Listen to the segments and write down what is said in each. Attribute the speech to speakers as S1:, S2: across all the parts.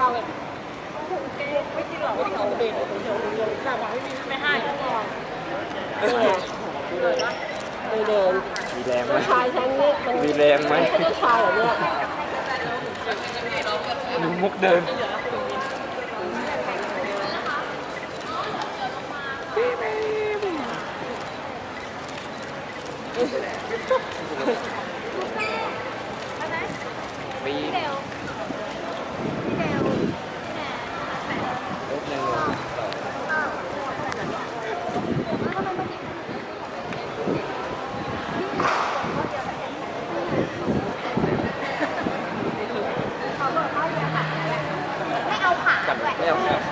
S1: เราเลยไม่กินหรอกไม่เอาเด็กเดี๋ยวข้าวบอกไม่ให้เดิน
S2: มีแรงไหม
S1: ชายฉันนี่มัน
S2: มีแรงไหม
S1: ไม่ใช่ชายเหรอเนี่ย
S2: ดูมุกเดินปี
S3: ไม่เอาขาด้วย
S2: ไม่เอาครับ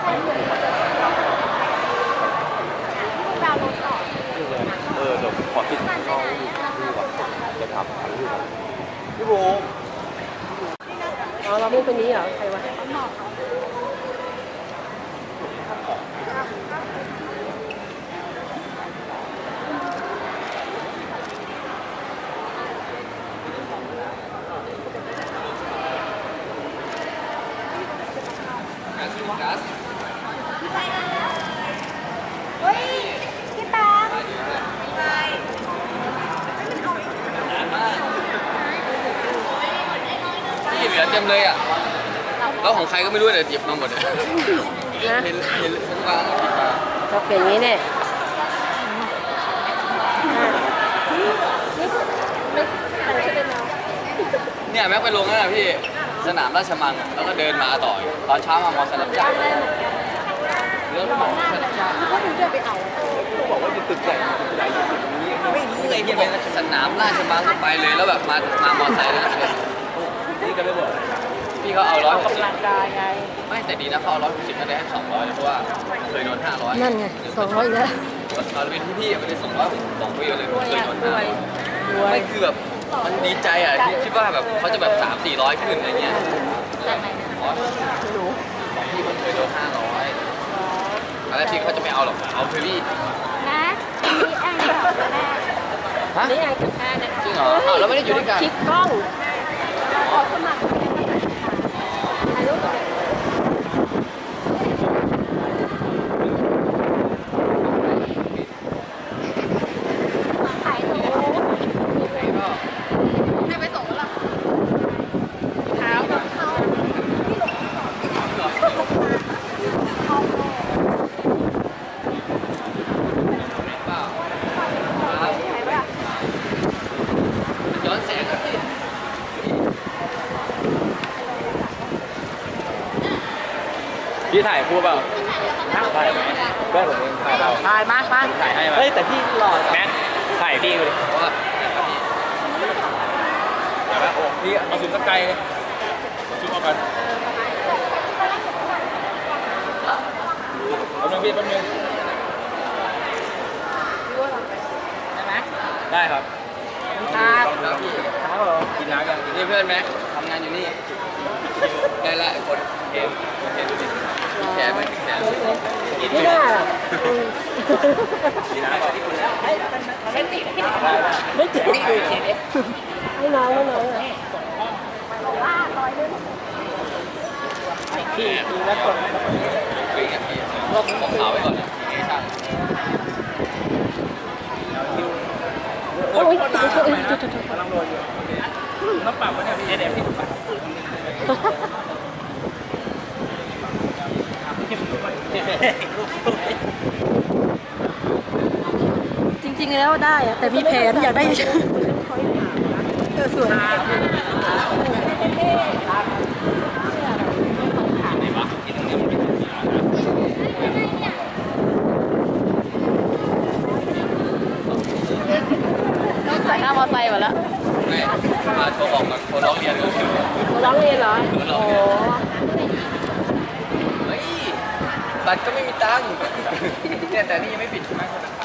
S3: ดาวน์โหลดต่อ
S2: เดี๋ยวขอติดเข้าดูก่อนจะทำรูปก่อนพี่โบ
S1: อ๋อเราไม่คนนี้เหรอใครวะ
S3: เฮ้ยพี่แป๊บ
S4: นี่เหลือเต็มเลยอ่ะ แล้วของใครก็ไม่รู้แต่หยิบมาหมดเลย
S1: นะ
S4: เห็นคนวางหยิบมา
S1: ชอบเป็นอย่างนี้เนี่ยไม่ใครช่วยเดินมา
S4: เนี่ยแม็กไปลงนั่นแหละพี่ สนามราชมังอะแล้วก็เดินมาต่อ ตอนเช้ามามอสลับจ้างเรื่องมอสลับจ้าง
S1: เขาถึงจะไปเอา
S2: เขาบอกว่าอยู่ตึกใหญ่ตึกใหญ่อยู่ตึกนี้
S4: ไม่รู้ไงพี่บอกสนามราชมังก็ไปเลยแล้วแบบมามอไซค์แล้วนะ
S2: นี่ก็ไม่บอก
S4: พี่เขาเอา160
S1: กำลังกายไง
S4: ไม่แต่ดีนะเขาเอา160ก็ได้ให้200เลยเพราะว่าเคยโดน500
S1: นั่นไง200อีกแล้ว
S4: ตอนเป็นพี่ๆไม่ได้200ผมบอกพี่เลย
S1: รวย
S4: เคย
S1: อ่ะ
S4: โดน
S1: รวย
S4: 500ไม่คือแบบมันดีใจอ่ะที่คิดว่าแบบเขาจะแบบ300-400ขึ้นอะไรเงี้ย
S1: จากไหนนะ
S4: ไม่รู้ของพี่มันเคยโดน500แล้วพี่เขาจะไม่เอาหรอกเอาเฟรรี่
S3: นะมีแองกับแม่
S4: ฮะ
S1: นี่ไงกับแค่เนี่ย
S4: จริงเหรออ้าวแล้วไม่ได้อยู่ด้วยกัน
S1: คลิกกล้อง
S3: ขอสมัครถ่ายรูปกับ ขายตัวให้ไปส่งแล้ว
S1: เท้ากับ
S3: เขาที่หลงก่อนเขาโล
S4: เปล่า
S3: ขายป่ะ
S4: ย้อนแสงกับพี่
S2: พี่ถ่ายคู่เปล่าถ่ายไหมแม่ผมเองถ่ายเรา
S1: ถ่ายมา
S2: ถ่ายให้เฮ้ยแต่พี่หล่อแม็กถ่ายพี่เลย
S4: เพราะว่าพี่
S2: เดี๋ยวนะโอ้พี่เอาซูมสักไกลเลยซูมเอากันแป๊บนึงพี่แป๊บนึง
S1: ได้ไหม
S2: ได้ครับ
S1: ครับ
S4: แล้วพี่
S2: ครับกินน้ำกัน
S4: นี่เพื่อนไหมทำงานอยู่นี่ได้ละคนเห็นดูดิแขนไม่ถึงแขน
S1: ไม่ได้หรอก
S2: กินน้ำก่อน
S1: ไม่เจ็บให้น้องเลย
S3: บอกว่า100นึง
S1: พี่ดูแล้วกด
S4: วิ่งอ่ะพี่ลบของขาวไว้ก่อนนะเอชั่น
S1: โอ้ย
S2: กำลังโรยอยู่โอเคต้องปรับวะเนี่ยพี่เดี๋ยวพี่ปรับ
S1: จริงๆแล้วได้อะแต่มีแผนอยากได้สวยจ่ายค่ามอไซค์หมดแล้ว
S4: ไม่มาโทรบอกกับคนร้องเรียนเลย
S1: ร้องเรียนเหรอโอ้
S4: เฮ้ยบัตรก็ไม่มีตังค์เนี่ยแต่นี่ยังไม่ปิดใช่ไหมคนนั้น